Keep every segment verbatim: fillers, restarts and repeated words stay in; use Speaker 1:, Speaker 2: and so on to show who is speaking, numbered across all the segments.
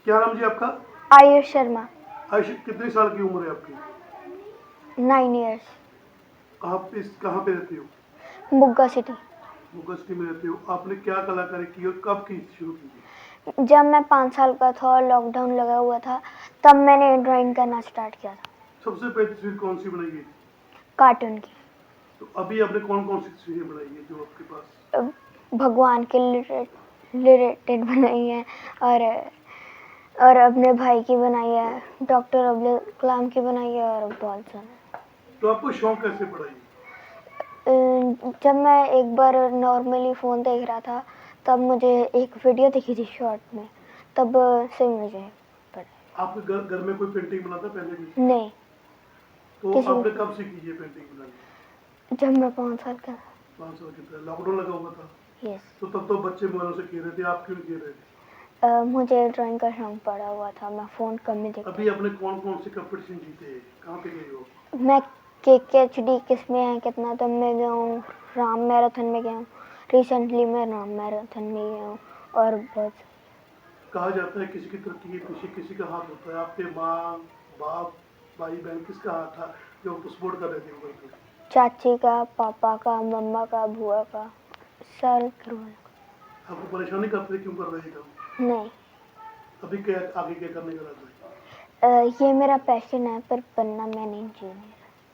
Speaker 1: क्या नाम जी आपका?
Speaker 2: आयुष शर्मा।
Speaker 1: आयुष, कितने साल की उम्र है आपकी?
Speaker 2: Nine years.
Speaker 1: आप इस कहाँ पे रहती हो?
Speaker 2: बुग्गा सिटी।
Speaker 1: मुगल सिटी में रहती हो। आपने क्या कलाकारी की और कब की शुरू की थी?
Speaker 2: जब मैं पाँच साल का था और लॉकडाउन लगा हुआ था तब मैंने ड्राइंग करना स्टार्ट किया था।
Speaker 1: सबसे पहली तस्वीर कौन सी बनाई गई थी?
Speaker 2: कार्टून की।
Speaker 1: तो अभी आपने कौन कौन सी तस्वीरें बनाई है जो आपके पास?
Speaker 2: भगवान के रिलेटेड बनाई है और और अपने भाई की बनाई है, डॉक्टर अब्दुल कलाम की बनाई है और बहुत सारे।
Speaker 1: तो आपको शौक कैसे पड़ा ये?
Speaker 2: जब मैं एक बार नॉर्मली फ़ोन देख रहा था तब मुझे एक वीडियो दिखी थी शॉर्ट में, तब से मुझे पड़ा।
Speaker 1: आपके घर घर में कोई पेंटिंग बनाता पहले भी?
Speaker 2: नहीं।
Speaker 1: तो
Speaker 2: किसी
Speaker 1: आपने कब सीखी ये पेंटिंग बनानी?
Speaker 2: जब मैं पाँच साल का था।
Speaker 1: पाँच साल के थे, लॉकडाउन लगा हुआ था।
Speaker 2: यस।
Speaker 1: तो तब तो बच्चे मोबाइलों से खेल रहे थे, आप क्यों नहीं खेल रहे थे?
Speaker 2: Uh, मुझे ड्राइंग का शौक पड़ा हुआ था, मैं फ़ोन कम ही देखती।
Speaker 1: अभी आपने कौन कौन से कंपटीशन जीते हैं? कहाँ पे गए हो?
Speaker 2: मैं के के एच डी किसमें है कितना तब में गया हूँ, राम मैराथन में गया हूँ, रिसेंटली मैं राम मैराथन में गया हूँ और बहुत।
Speaker 1: कहा जाता है किसी की तरक्की के पीछे किसी का हाथ होता है। आपके माँ बाप भाई बहन किसका हाथ था जो आपको सपोर्ट कर रहे थे ऊपर पे?
Speaker 2: चाची का, पापा का, मम्मा का, बुआ का, सारे घर वालों का।
Speaker 1: आपको परेशानी करते थे क्यों कर रहे थे काम?
Speaker 2: नहीं।
Speaker 1: अभी क्या आगे क्या करने का रहता है?
Speaker 2: uh, ये मेरा पैशन है पर बनना मैं नहीं इंजीनियर।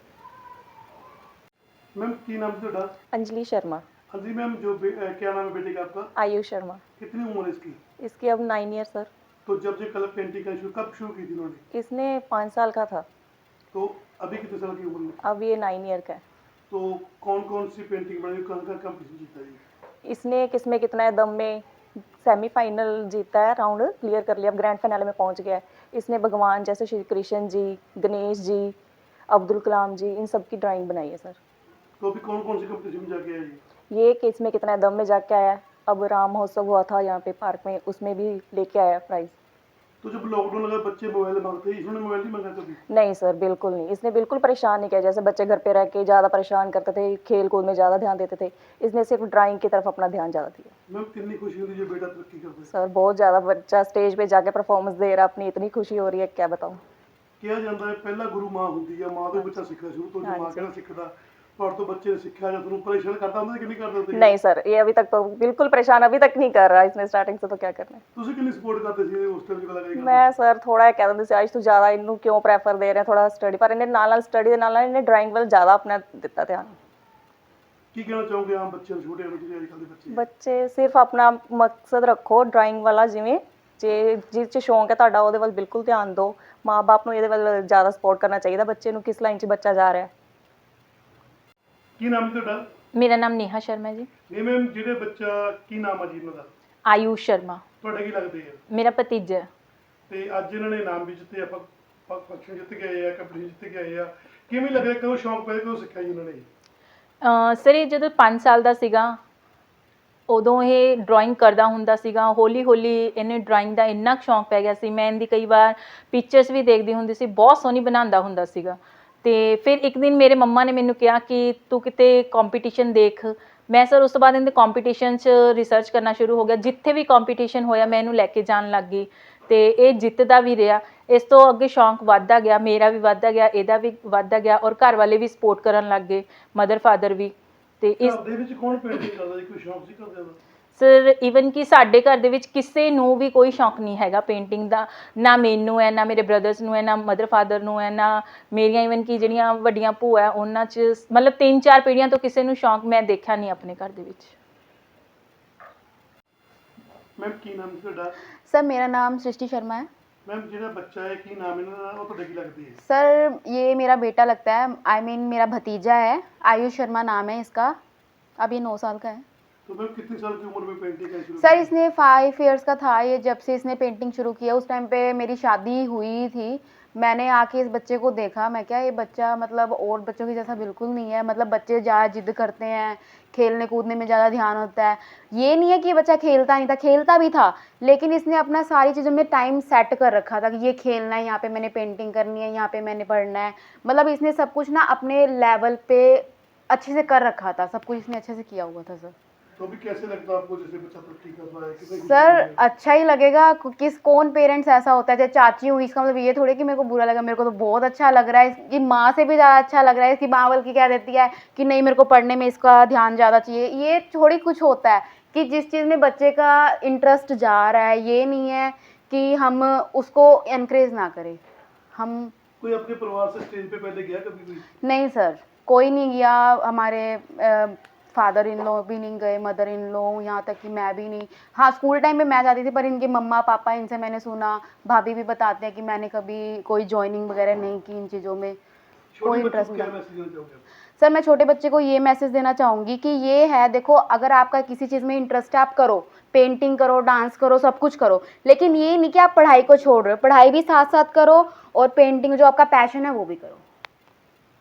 Speaker 1: मैम की नाम से डांस?
Speaker 3: अंजलि शर्मा।
Speaker 1: हाँ जी मैम, जो बे- अ, क्या नाम है बेटे का आपका?
Speaker 3: आयुष शर्मा।
Speaker 1: कितनी उम्र है इसकी?
Speaker 3: इसकी अब नाइन ईयर सर।
Speaker 1: तो जब से कलर पेंटिंग का शुरू कब शुरू की थी इन्होंने?
Speaker 3: इसने पाँच साल का था।
Speaker 1: तो अभी कितने साल की उम्र है?
Speaker 3: अब ये नाइन ईयर का है।
Speaker 1: तो कौन कौन सी पेंटिंग बनाई, कौन कौन कंपटीशन जीता है?
Speaker 3: इसने किसमें कितना है दम में सेमीफाइनल जीता है, राउंड क्लियर कर लिया, अब ग्रैंड फाइनल में पहुंच गया है। इसने भगवान जैसे श्री कृष्ण जी, गणेश जी, अब्दुल कलाम जी, इन सब की ड्राइंग बनाई है सर।
Speaker 1: तो अभी कौन कौन सी कंपटीशन में जाके आए?
Speaker 3: ये किस में कितना है दम में जाके आया है। अब राम महोत्सव हुआ था यहाँ पे पार्क में, उसमें भी लेके आया प्राइज।
Speaker 1: तो जब लॉकडाउन लगा बच्चे मोबाइल मांगते हैं, इसने मोबाइल नहीं मांगा कभी?
Speaker 3: नहीं सर, बिल्कुल नहीं। इसने बिल्कुल परेशान नहीं किया। जैसे बच्चे घर पे रह के ज़्यादा परेशान करते थे, खेल कूद में ज़्यादा ध्यान देते थे, इसने सिर्फ ड्राइंग की तरफ अपना ध्यान ज़्यादा दिया।
Speaker 1: मैम कितनी खुशी होती है जो बेटा तरक्की करता है?
Speaker 3: सर बहुत ज़्यादा, बच्चा स्टेज पे जाके परफॉर्मेंस दे रहा, अपनी इतनी खुशी हो रही है क्या बताऊँ।
Speaker 1: ਕਿਹਾ ਜਾਂਦਾ ਹੈ ਪਹਿਲਾ ਗੁਰੂ ਮਾਂ ਹੁੰਦੀ ਹੈ, ਮਾਂ ਤੋਂ ਬੱਚਾ ਸਿੱਖਦਾ ਸ਼ੁਰੂ ਤੋਂ, ਜੋ ਮਾਂ ਕਹਿੰਦਾ ਸਿੱਖਦਾ। पर तो बच्चे ने सीखा जब तुम परेशान करता हूं कि नहीं करता थे?
Speaker 3: नहीं सर, ये अभी तक तो बिल्कुल परेशान अभी तक नहीं कर रहा इसने, स्टार्टिंग से तो क्या करना है।
Speaker 1: ਤੁਸੀਂ ਕਿੰਨੀ ਸਪੋਰਟ ਕਰਦੇ ਸੀ ਉਸ ਟਾਈਮ ਕਲਾਕਾਰੀ ਕਰਦੇ?
Speaker 3: मैं सर थोड़ा कह दिंदी सी, आज तू ज़्यादा इनू क्यों प्रैफर दे रहे थोड़ा स्टडी, पर इन्हें नाल नाल स्टडी दे नाल नाल इन्हें ड्राइंग ਵੱਲ ज़्यादा अपना ਦਿੱਤਾ ध्यान।
Speaker 1: ਕੀ ਕਹਿਣਾ ਚਾਹੋਗੇ ਆਮ ਬੱਚਿਆਂ ਨੂੰ, ਛੋਟੇ ਬੱਚੇ ਅੱਜ ਕੱਲ੍ਹ ਦੇ ਬੱਚੇ?
Speaker 3: ਬੱਚੇ ਸਿਰਫ ਆਪਣਾ ਮਕਸਦ ਰੱਖੋ ਡਰਾਇੰਗ ਵਾਲਾ, ਜਿਵੇਂ ਜੇ ਜਿਸ 'ਚ ਸ਼ੌਂਕ ਹੈ ਤੁਹਾਡਾ ਉਹਦੇ ਵੱਲ ਬਿਲਕੁਲ ਧਿਆਨ ਦਿਓ। ਮਾਂ ਬਾਪ ਨੂੰ ਇਹਦੇ ਵੱਲ ਜ਼ਿਆਦਾ ਸਪੋਰਟ ਕਰਨਾ ਚਾਹੀਦਾ ਬੱਚੇ ਨੂੰ, ਕਿਸ ਲਾਈਨ 'ਚ ਬੱਚਾ ਜਾ ਰਿਹਾ।
Speaker 1: ਕੀ ਨਾਮ ਹੈ ਤੁਹਾਡਾ?
Speaker 4: मेरा नाम नेहा शर्मा है जी।
Speaker 1: ਨਹੀਂ ਮੈਮ, ਜਿਹੜੇ ਬੱਚਾ ਕੀ ਨਾਮ ਆ ਜੀ ਇਹਨਾਂ ਦਾ?
Speaker 4: आयुष शर्मा
Speaker 1: ਤੁਹਾਡੇ ਕੀ ਲੱਗਦੇ ਆ?
Speaker 4: मेरा भतीजा है।
Speaker 1: ਤੇ ਅੱਜ ਇਹਨਾਂ ਨੇ ਇਨਾਮ ਵੀ ਜਿੱਤੇ, ਆਪਾਂ ਫੰਕਸ਼ਨ ਜਿੱਤ ਕੇ ਆਏ ਆ, ਕੰਪੀਟੀਸ਼ਨ ਜਿੱਤ ਕੇ ਆਏ ਆ। ਕਿਵੇਂ ਲੱਗ ਰਿਹਾ, ਕਦੋਂ ਸ਼ੌਂਕ ਪਿਆ, ਕਦੋਂ ਸਿੱਖਿਆ ਜੀ ਇਹਨਾਂ ਨੇ?
Speaker 4: ਅਹ ਸਰ ਇਹ ਜਦੋਂ ਪੰਜ ਸਾਲ ਦਾ ਸੀਗਾ ਉਦੋਂ ਇਹ ਡਰਾਇੰਗ ਕਰਦਾ ਹੁੰਦਾ ਸੀਗਾ। ਹੌਲੀ ਹੌਲੀ ਇਹਨੇ ਡਰਾਇੰਗ ਦਾ ਇੰਨਾ ਕੁ ਸ਼ੌਂਕ ਪੈ ਗਿਆ ਸੀ, ਮੈਂ ਇਹਦੀ ਕਈ ਵਾਰ ਪਿਕਚਰਸ ਵੀ ਦੇਖਦੀ ਹੁੰਦੀ ਸੀ, ਬਹੁਤ ਸੋਹਣੀ ਬਣਾਉਂਦਾ ਹੁੰਦਾ ਸੀਗਾ। ਤੇ ਫਿਰ ਇੱਕ ਦਿਨ ਮੇਰੇ ਮੰਮਾ ਨੇ ਮੈਨੂੰ ਕਿਹਾ ਕਿ ਤੂੰ ਕਿਤੇ ਕੰਪੀਟੀਸ਼ਨ ਦੇਖ। ਮੈਂ ਸਰ ਉਸ ਤੋਂ ਬਾਅਦ ਇਹਦੇ ਕੰਪੀਟੀਸ਼ਨ 'ਚ ਰਿਸਰਚ ਕਰਨਾ ਸ਼ੁਰੂ ਹੋ ਗਿਆ, ਜਿੱਥੇ ਵੀ ਕੰਪੀਟੀਸ਼ਨ ਹੋਇਆ ਮੈਂ ਇਹਨੂੰ ਲੈ ਕੇ ਜਾਣ ਲੱਗ ਗਈ ਤੇ ਇਹ ਜਿੱਤਦਾ ਵੀ ਰਿਹਾ। ਇਸ ਤੋਂ ਅੱਗੇ ਸ਼ੌਂਕ ਵੱਧਦਾ ਗਿਆ, ਮੇਰਾ ਵੀ ਵੱਧਦਾ ਗਿਆ, ਇਹਦਾ ਵੀ ਵੱਧਦਾ ਗਿਆ ਔਰ ਘਰ ਵਾਲੇ ਵੀ ਸਪੋਰਟ ਕਰਨ ਲੱਗ ਗਏ, ਮਦਰ ਫਾਦਰ ਵੀ। ਤੇ ਇਸ
Speaker 1: ਘਰ ਦੇ ਵਿੱਚ ਕੌਣ ਪੇਂਟਿੰਗ ਕਰਦਾ ਜੀ? ਕੋਈ ਸ਼ੌਂਕ ਸੀ ਕਰਦੇ ਦਾ?
Speaker 4: ਸਰ ਈਵਨ ਕਿ ਸਾਡੇ ਘਰ ਦੇ ਵਿੱਚ ਕਿਸੇ ਨੂੰ ਵੀ ਕੋਈ ਸ਼ੌਂਕ ਨਹੀਂ ਹੈਗਾ ਪੇਂਟਿੰਗ ਦਾ, ਨਾ ਮੈਨੂੰ ਹੈ, ਨਾ ਮੇਰੇ ਬ੍ਰਦਰਸ ਨੂੰ ਹੈ, ਨਾ ਮਦਰ ਫਾਦਰ ਨੂੰ ਹੈ, ਨਾ ਮੇਰੀਆਂ ਈਵਨ ਕਿ ਜਿਹੜੀਆਂ ਵੱਡੀਆਂ ਭੂਆ ਹੈ ਉਹਨਾਂ 'ਚ, ਮਤਲਬ ਤਿੰਨ ਚਾਰ ਪੀੜ੍ਹੀਆਂ ਤੋਂ ਕਿਸੇ ਨੂੰ ਸ਼ੌਂਕ ਮੈਂ ਦੇਖਿਆ ਨਹੀਂ ਆਪਣੇ ਘਰ ਦੇ ਵਿੱਚ।
Speaker 1: ਮੈਮ ਕੀ ਨਾਮ ਸੀ ਤੁਹਾਡਾ?
Speaker 5: सर मेरा नाम सृष्टि शर्मा है।
Speaker 1: मैम ਜਿਹੜਾ ਬੱਚਾ ਹੈ ਕੀ ਨਾਮ ਇਹਨਾਂ ਦਾ, ਉਹ ਤੁਹਾਡੇ ਕੀ ਲੱਗਦੀ ਹੈ?
Speaker 5: सर ये मेरा बेटा लगता है, आई I मीन mean, मेरा भतीजा है, आयुष शर्मा नाम है इसका। अब ये नौ साल का है।
Speaker 1: तो मैम कितनी साल की उम्र में पेंटिंग करना शुरू
Speaker 5: सर
Speaker 1: की?
Speaker 5: इसने फाइव इयर्स का था ये जब से इसने पेंटिंग शुरू किया। उस टाइम पे मेरी शादी हुई थी, मैंने आके इस बच्चे को देखा, मैं क्या ये बच्चा मतलब और बच्चों की जैसा बिल्कुल नहीं है। मतलब बच्चे ज़्यादा जिद करते हैं, खेलने कूदने में ज़्यादा ध्यान होता है। ये नहीं है कि ये बच्चा खेलता नहीं था, खेलता भी था, लेकिन इसने अपना सारी चीज़ों में टाइम सेट कर रखा था कि ये खेलना है, यहाँ पे मैंने पेंटिंग करनी है, यहाँ पे मैंने पढ़ना है। मतलब इसने सब कुछ ना अपने लेवल पे अच्छे से कर रखा था, सब कुछ इसने अच्छे से किया हुआ था सर।
Speaker 1: तो भी कैसे लगता है आपको जैसे बच्चा तरक्की कर रहा है कितने
Speaker 5: सर अच्छा ही लगेगा। किस कौन पेरेंट्स ऐसा होता है, जैसे चाची हुई, इसका मतलब ये थोड़ी कि मेरे को बुरा लगा, मेरे को तो बहुत अच्छा लग रहा है। इसकी माँ से भी ज़्यादा अच्छा लग रहा है। इसकी माँ बल्कि कह देती है कि नहीं मेरे को पढ़ने में इसका ध्यान ज़्यादा चाहिए। ये थोड़ी कुछ होता है कि जिस चीज़ में बच्चे का इंटरेस्ट जा रहा है, ये नहीं है कि हम उसको एनकरेज ना करें। हम
Speaker 1: कोई अपने परिवार से स्टेज पे पहले गया कभी कोई?
Speaker 5: नहीं सर, कोई नहीं गया। हमारे फादर इन लॉ भी नहीं गए, मदर इन लॉ, यहाँ तक कि मैं भी नहीं। हाँ स्कूल टाइम में मैं जाती थी, पर इनके मम्मा पापा, इनसे मैंने सुना, भाभी भी बताते हैं कि मैंने कभी कोई जॉइनिंग वगैरह नहीं की इन चीज़ों में, कोई
Speaker 1: छोटे बच्चों
Speaker 5: इंटरेस्ट
Speaker 1: को क्या
Speaker 5: नहीं।
Speaker 1: मैसेज देना चाहोगे आप?
Speaker 5: सर मैं छोटे बच्चे को ये मैसेज देना चाहूँगी कि ये है, देखो अगर आपका किसी चीज़ में इंटरेस्ट है आप करो, पेंटिंग करो, डांस करो, सब कुछ करो, लेकिन ये नहीं कि आप पढ़ाई को छोड़ रहे हो। पढ़ाई भी साथ साथ करो और पेंटिंग जो आपका पैशन है वो भी करो।